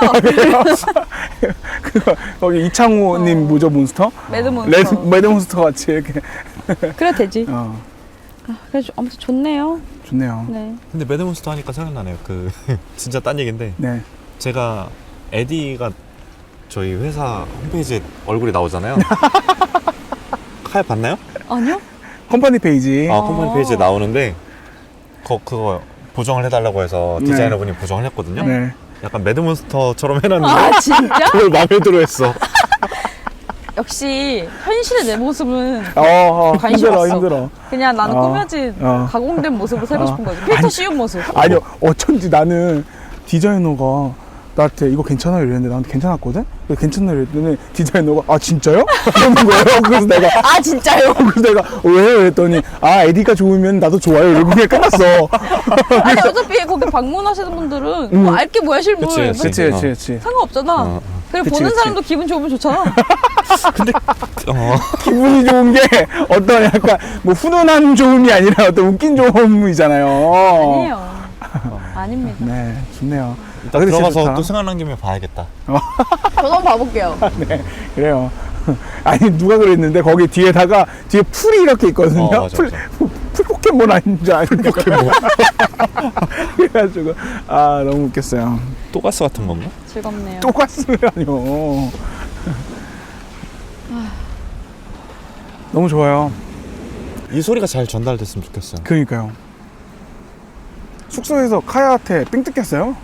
[SPEAKER 2] 그거 거기 이창호님
[SPEAKER 1] 어.
[SPEAKER 2] 뭐죠 몬스터?
[SPEAKER 1] 매드몬스터.
[SPEAKER 2] 레드 매드몬스터 같이 이렇게
[SPEAKER 1] 그래 되지.
[SPEAKER 2] 어
[SPEAKER 1] 그래서 아무튼 좋네요.
[SPEAKER 2] 좋네요.
[SPEAKER 1] 네.
[SPEAKER 3] 근데 매드몬스터 하니까 생각나네요. 그 진짜 딴 얘기인데
[SPEAKER 2] 네.
[SPEAKER 3] 제가 에디가 저희 회사 홈페이지에 얼굴이 나오잖아요. 칼 봤나요?
[SPEAKER 1] 아니요?
[SPEAKER 2] 컴퍼니 페이지.
[SPEAKER 3] 아 컴퍼니 페이지에 나오는데 거, 그거 보정을 해달라고 해서
[SPEAKER 2] 네.
[SPEAKER 3] 디자이너분이 보정을 했거든요.
[SPEAKER 2] 네.
[SPEAKER 3] 약간 매드몬스터처럼 해놨는데
[SPEAKER 1] 아 진짜?
[SPEAKER 3] 그걸 마음에 들어했어.
[SPEAKER 1] 역시 현실의 내 모습은
[SPEAKER 2] 어, 어
[SPEAKER 1] 관심
[SPEAKER 2] 힘들어
[SPEAKER 1] 없어.
[SPEAKER 2] 힘들어.
[SPEAKER 1] 그냥 나는
[SPEAKER 2] 어.
[SPEAKER 1] 꾸며진
[SPEAKER 2] 어.
[SPEAKER 1] 가공된 모습을 살고
[SPEAKER 2] 어.
[SPEAKER 1] 싶은 거지. 필터 씌운 모습.
[SPEAKER 2] 아니요 어쩐지 나는 디자이너가 나한테 이거 괜찮아요 이랬는데 나한테 괜찮았거든? 그래서 괜찮아요 이랬더니 디자이너가 아 진짜요? 이러는 거예요. 그래서 내가
[SPEAKER 1] 아 진짜요?
[SPEAKER 2] 그래서 내가 왜요? 그랬더니 아 에디가 좋으면 나도 좋아요 이러고 그냥 끝났어.
[SPEAKER 1] 아니 어차피 거기 방문하시는 분들은
[SPEAKER 2] 음.
[SPEAKER 1] 뭐 알게 뭐야 실물.
[SPEAKER 3] 그치,
[SPEAKER 1] 뭐
[SPEAKER 3] 그치.
[SPEAKER 2] 그치 그치 그치.
[SPEAKER 1] 상관없잖아.
[SPEAKER 3] 어, 어.
[SPEAKER 1] 그리고
[SPEAKER 2] 그치,
[SPEAKER 1] 보는
[SPEAKER 2] 그치.
[SPEAKER 1] 사람도 기분 좋으면 좋잖아.
[SPEAKER 3] 근데 어,
[SPEAKER 2] 기분이 좋은 게 어떤 약간 뭐 훈훈한 좋음이 아니라 어떤 웃긴 좋음이잖아요.
[SPEAKER 1] 아니에요. 아닙니다.
[SPEAKER 2] 네 좋네요.
[SPEAKER 3] 이따
[SPEAKER 2] 아, 근데 진짜
[SPEAKER 3] 들어가서
[SPEAKER 2] 좋다.
[SPEAKER 3] 또 생각난 김에 봐야겠다.
[SPEAKER 1] 저도 한번 봐볼게요.
[SPEAKER 2] 네 그래요. 아니 누가 그랬는데 거기 뒤에다가 뒤에 풀이 이렇게 있거든요.
[SPEAKER 3] 어, 맞아,
[SPEAKER 2] 풀,
[SPEAKER 3] 맞아.
[SPEAKER 2] 풀 포켓몬 아닌 줄 아니까. 그래가지고 아 너무 웃겼어요.
[SPEAKER 3] 또가스 같은 건가?
[SPEAKER 1] 즐겁네요.
[SPEAKER 2] 똑같으라뇨. 너무 좋아요.
[SPEAKER 3] 이 소리가 잘 전달됐으면 좋겠어요.
[SPEAKER 2] 그러니까요. 숙소에서 카야한테 삥 뜯겼어요.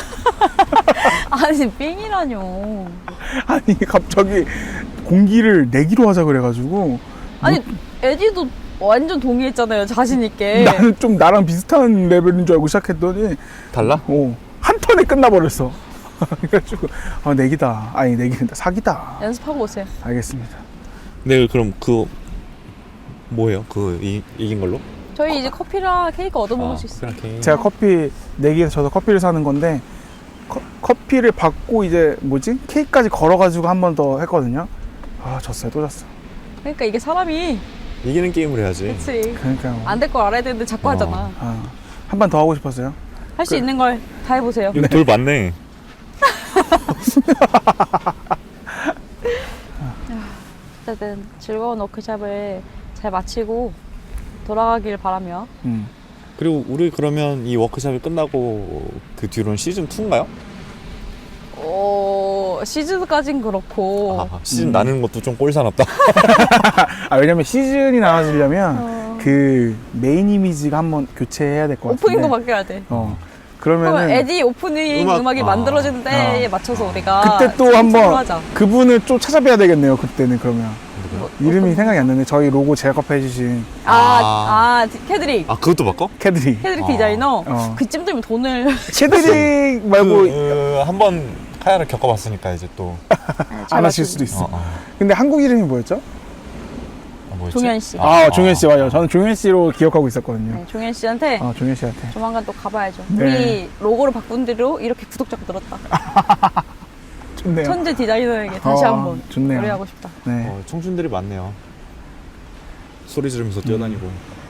[SPEAKER 1] 아니 삥이라뇨.
[SPEAKER 2] 아니 갑자기 공기를 내기로 하자 그래가지고
[SPEAKER 1] 아니 에디도 완전 동의했잖아요. 자신 있게.
[SPEAKER 2] 나는 좀 나랑 비슷한 레벨인 줄 알고 시작했더니
[SPEAKER 3] 달라?
[SPEAKER 2] 어, 한 턴에 끝나버렸어. 그래가지고 아 내기다. 아니 내기다. 사기다.
[SPEAKER 1] 연습하고 오세요.
[SPEAKER 2] 알겠습니다.
[SPEAKER 3] 네, 그럼 그 뭐예요? 그 이, 이긴 걸로?
[SPEAKER 1] 저희 이제 커피랑 케이크 얻어먹을
[SPEAKER 3] 아,
[SPEAKER 1] 수 있어요.
[SPEAKER 3] 그렇게.
[SPEAKER 2] 제가 커피 내기에서 저도 커피를 사는 건데 커, 커피를 받고 이제 뭐지 케이크까지 걸어가지고 한 번 더 했거든요. 아 졌어요. 또 졌어.
[SPEAKER 1] 그러니까 이게 사람이
[SPEAKER 3] 이기는 게임을 해야지.
[SPEAKER 1] 그치
[SPEAKER 2] 그러니까요.
[SPEAKER 1] 안 될 걸 알아야 되는데 자꾸
[SPEAKER 3] 어.
[SPEAKER 1] 하잖아.
[SPEAKER 2] 아, 한 번 더 하고 싶었어요.
[SPEAKER 1] 할 수
[SPEAKER 2] 그-
[SPEAKER 1] 있는 걸 다 해보세요.
[SPEAKER 3] 여기 돌 많네.
[SPEAKER 1] 어쨌든 즐거운 워크숍을 잘 마치고 돌아가길 바라며
[SPEAKER 2] 음.
[SPEAKER 3] 그리고 우리 그러면 이 워크숍이 끝나고 그 뒤로는 시즌 이인가요?
[SPEAKER 1] 어, 시즌까진 그렇고
[SPEAKER 3] 아, 시즌
[SPEAKER 2] 음.
[SPEAKER 3] 나는 것도 좀 꼴사납다.
[SPEAKER 2] 아 왜냐면 시즌이 나눠지려면
[SPEAKER 1] 어,
[SPEAKER 2] 그 메인 이미지가 한번 교체해야 될 것 같은데.
[SPEAKER 1] 오프닝도 바뀌어야 돼.
[SPEAKER 2] 어.
[SPEAKER 1] 그러면
[SPEAKER 2] 그러면은
[SPEAKER 1] 에디 오프닝
[SPEAKER 3] 음악-
[SPEAKER 1] 음악, 이
[SPEAKER 3] 아.
[SPEAKER 1] 만들어지는 때에
[SPEAKER 2] 어.
[SPEAKER 1] 맞춰서 우리가
[SPEAKER 2] 그때 또
[SPEAKER 1] 팀
[SPEAKER 2] 한번
[SPEAKER 1] 하자.
[SPEAKER 2] 그분을 좀 찾아뵈야 되겠네요. 그때는 그러면
[SPEAKER 1] 뭐,
[SPEAKER 2] 이름이
[SPEAKER 1] 어떤-
[SPEAKER 2] 생각이 안 나네. 저희 로고 제작업해 주신
[SPEAKER 1] 아,
[SPEAKER 3] 아.
[SPEAKER 1] 아, 캐드릭.
[SPEAKER 3] 아, 그것도 바꿔?
[SPEAKER 2] 캐드리.
[SPEAKER 1] 캐드릭
[SPEAKER 3] 아.
[SPEAKER 1] 디자이너.
[SPEAKER 2] 어.
[SPEAKER 1] 그쯤 되면 돈을
[SPEAKER 2] 캐드릭 말고
[SPEAKER 3] 그, 그, 한번 카야를 겪어봤으니까 이제 또.
[SPEAKER 2] 안 하실 수도 있어.
[SPEAKER 3] 어, 어.
[SPEAKER 2] 근데 한국 이름이 뭐였죠?
[SPEAKER 3] 아, 뭐였지?
[SPEAKER 1] 종현 씨.
[SPEAKER 2] 아, 종현 씨 맞아요. 저는 종현 씨로 기억하고 있었거든요.
[SPEAKER 1] 네, 종현 씨한테
[SPEAKER 2] 아, 종현 씨한테.
[SPEAKER 1] 조만간 또 가봐야죠.
[SPEAKER 2] 네.
[SPEAKER 1] 우리 로고를 바꾼 뒤로 이렇게 구독자가 늘었다.
[SPEAKER 2] 좋네요.
[SPEAKER 1] 천재 디자이너에게 다시
[SPEAKER 2] 어,
[SPEAKER 1] 한번
[SPEAKER 2] 좋네요.
[SPEAKER 1] 노래하고 싶다.
[SPEAKER 2] 네.
[SPEAKER 3] 어, 청춘들이 많네요. 소리 지르면서 뛰어다니고.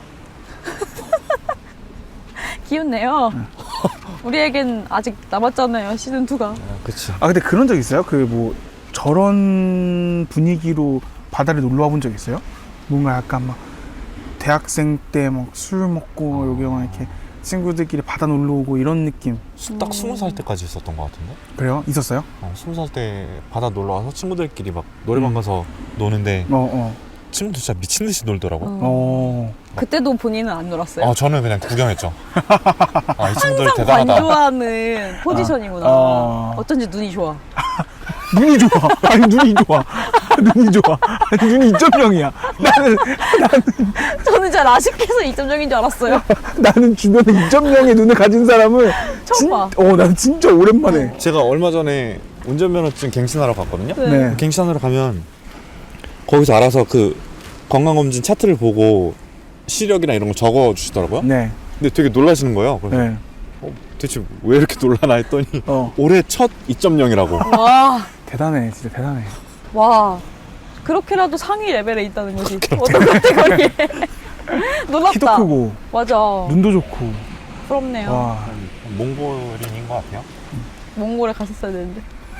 [SPEAKER 1] 기운내요. 우리에겐 아직 남았잖아요. 시즌이가.
[SPEAKER 3] 아, 그치.
[SPEAKER 2] 아, 근데 그런 적 있어요? 그 뭐 저런 분위기로 바다를 놀러 와본 적 있어요? 뭔가 약간 막 대학생 때 막 술 먹고 여기 막 이렇게 친구들끼리 바다 놀러 오고 이런 느낌.
[SPEAKER 3] 수- 딱 스무 살 때까지 있었던 것 같은데?
[SPEAKER 2] 그래요? 있었어요?
[SPEAKER 3] 어, 스무 살 때 바다 놀러 와서 친구들끼리 막 노래방
[SPEAKER 2] 음.
[SPEAKER 3] 가서 노는데
[SPEAKER 2] 어, 어.
[SPEAKER 3] 친구들 진짜 미친 듯이 놀더라고.
[SPEAKER 1] 어.
[SPEAKER 2] 어.
[SPEAKER 1] 그때도 본인은 안 놀았어요?
[SPEAKER 3] 아 저는 그냥 구경했죠. 아 이 친구들
[SPEAKER 1] 항상
[SPEAKER 3] 대단하다.
[SPEAKER 1] 관조하는 포지션이구나.
[SPEAKER 2] 어.
[SPEAKER 1] 어쩐지 눈이 좋아.
[SPEAKER 2] 눈이 좋아. 아니 눈이 좋아. 눈이 좋아. 아니 눈이 이 점 영이야. 나는
[SPEAKER 1] 저는 진짜 라식해서 이 점 영인 줄 알았어요.
[SPEAKER 2] 나는 주변에 이 점 영의 눈을 가진 사람을
[SPEAKER 1] 처음
[SPEAKER 2] 진,
[SPEAKER 1] 봐.
[SPEAKER 2] 어, 난 진짜 오랜만에.
[SPEAKER 3] 제가 얼마 전에 운전면허증 갱신하러 갔거든요.
[SPEAKER 1] 네.
[SPEAKER 2] 네.
[SPEAKER 3] 갱신하러 가면 거기서 알아서 그 건강검진 차트를 보고 시력이나 이런 거 적어 주시더라고요.
[SPEAKER 2] 네.
[SPEAKER 3] 근데 되게 놀라시는 거예요. 그래서
[SPEAKER 2] 네.
[SPEAKER 3] 어, 대체 왜 이렇게 놀라나 했더니
[SPEAKER 2] 어.
[SPEAKER 3] 올해 첫 이 점 영이라고.
[SPEAKER 1] 와,
[SPEAKER 2] 대단해. 진짜 대단해.
[SPEAKER 1] 와. 그렇게라도 상위 레벨에 있다는 거지. 어떤 카테고리에. 놀랍다.
[SPEAKER 2] 키도 크고
[SPEAKER 1] 맞아.
[SPEAKER 2] 눈도 좋고.
[SPEAKER 1] 부럽네요.
[SPEAKER 2] 와.
[SPEAKER 3] 몽골인인 것 같아요.
[SPEAKER 1] 몽골에 갔었어야 되는데.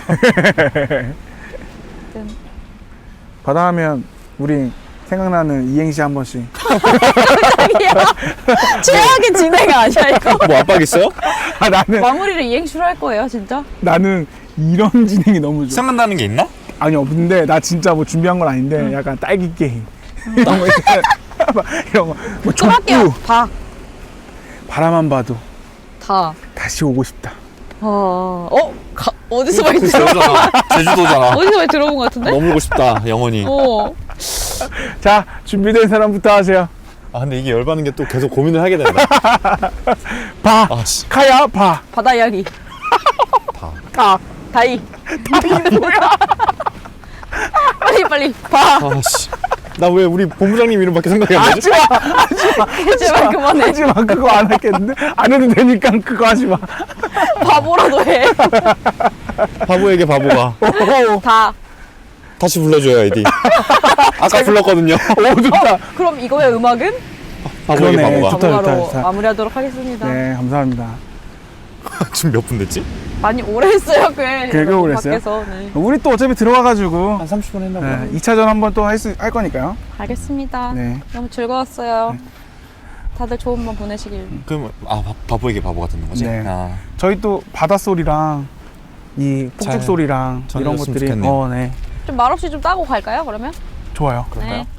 [SPEAKER 1] 아무튼
[SPEAKER 2] 바다 하면 우리 생각나는 이행시 한 번씩.
[SPEAKER 1] 최악의 진행 아니야 이거?
[SPEAKER 3] 뭐 압박 있어요?
[SPEAKER 2] 아 나는
[SPEAKER 1] 마무리를 이행시로 할 거예요 진짜?
[SPEAKER 2] 나는 이런 진행이 너무 좋아.
[SPEAKER 3] 생각나는 게 있나?
[SPEAKER 2] 아니요, 근데 나 진짜 뭐 준비한 건 아닌데 약간 딸기 게임 이런 거 있잖아. 막 이런 거. 뭐
[SPEAKER 1] 좀 할게요.
[SPEAKER 2] 족구
[SPEAKER 1] 다.
[SPEAKER 2] 바라만 봐도
[SPEAKER 1] 다.
[SPEAKER 2] 다시 오고 싶다.
[SPEAKER 1] 어, 어? 가, 어디서 많이 들어?
[SPEAKER 3] 제주도잖아. 제주도잖아.
[SPEAKER 1] 어디서 많이 들어본 것 같은데?
[SPEAKER 3] 머물고 싶다 영원히.
[SPEAKER 1] 어.
[SPEAKER 2] 자, 준비된 사람부터 하세요.
[SPEAKER 3] 아 근데 이게 열받는 게 또 계속 고민을 하게 된다.
[SPEAKER 2] 봐.
[SPEAKER 3] 아씨.
[SPEAKER 2] 카야 봐.
[SPEAKER 1] 바다 이야기.
[SPEAKER 3] 다.
[SPEAKER 2] 가.
[SPEAKER 1] 다이. 다이는 뭐야? 빨리 빨리 봐.
[SPEAKER 3] 아씨. 나 왜 우리 본부장님 이름밖에 생각이 안 나지?
[SPEAKER 2] 하지마.
[SPEAKER 1] 제발 그만해.
[SPEAKER 2] 하지마. 그거 안 하겠는데? 안 해도 되니까 그거 하지마.
[SPEAKER 1] 바보라도 해.
[SPEAKER 3] 바보에게 바보가.
[SPEAKER 1] 다.
[SPEAKER 3] 다시 불러줘요 아이디. 아까 불렀거든요.
[SPEAKER 2] 오, 좋다.
[SPEAKER 1] 그럼 이거의 음악은
[SPEAKER 3] 바보에게
[SPEAKER 2] 그러네.
[SPEAKER 3] 바보가.
[SPEAKER 2] 좋다,
[SPEAKER 1] 바보가로
[SPEAKER 2] 좋다.
[SPEAKER 1] 마무리하도록 하겠습니다.
[SPEAKER 2] 네, 감사합니다.
[SPEAKER 3] 지금 몇 분 됐지?
[SPEAKER 1] 많이 오래 했어요, 꽤.
[SPEAKER 2] 꽤 오래 했어요?
[SPEAKER 1] 밖에서. 네.
[SPEAKER 2] 우리 또 어차피 들어와가지고
[SPEAKER 3] 한 삼십 분 했나
[SPEAKER 2] 네, 이 차전 한번 또 할 수, 할 거니까요.
[SPEAKER 1] 알겠습니다.
[SPEAKER 2] 네.
[SPEAKER 1] 너무 즐거웠어요. 다들 좋은 밤 보내시길.
[SPEAKER 3] 그럼 아 바, 바보에게 바보가 듣는 거지?
[SPEAKER 2] 네.
[SPEAKER 3] 아,
[SPEAKER 2] 저희 또 바닷소리랑 이 폭죽
[SPEAKER 3] 잘
[SPEAKER 2] 소리랑 이런
[SPEAKER 3] 전해졌으면
[SPEAKER 2] 것들이
[SPEAKER 3] 좋겠네요.
[SPEAKER 2] 어, 네.
[SPEAKER 1] 좀 말없이 좀 따고 갈까요, 그러면?
[SPEAKER 2] 좋아요.
[SPEAKER 3] 그럴까요?
[SPEAKER 1] 네.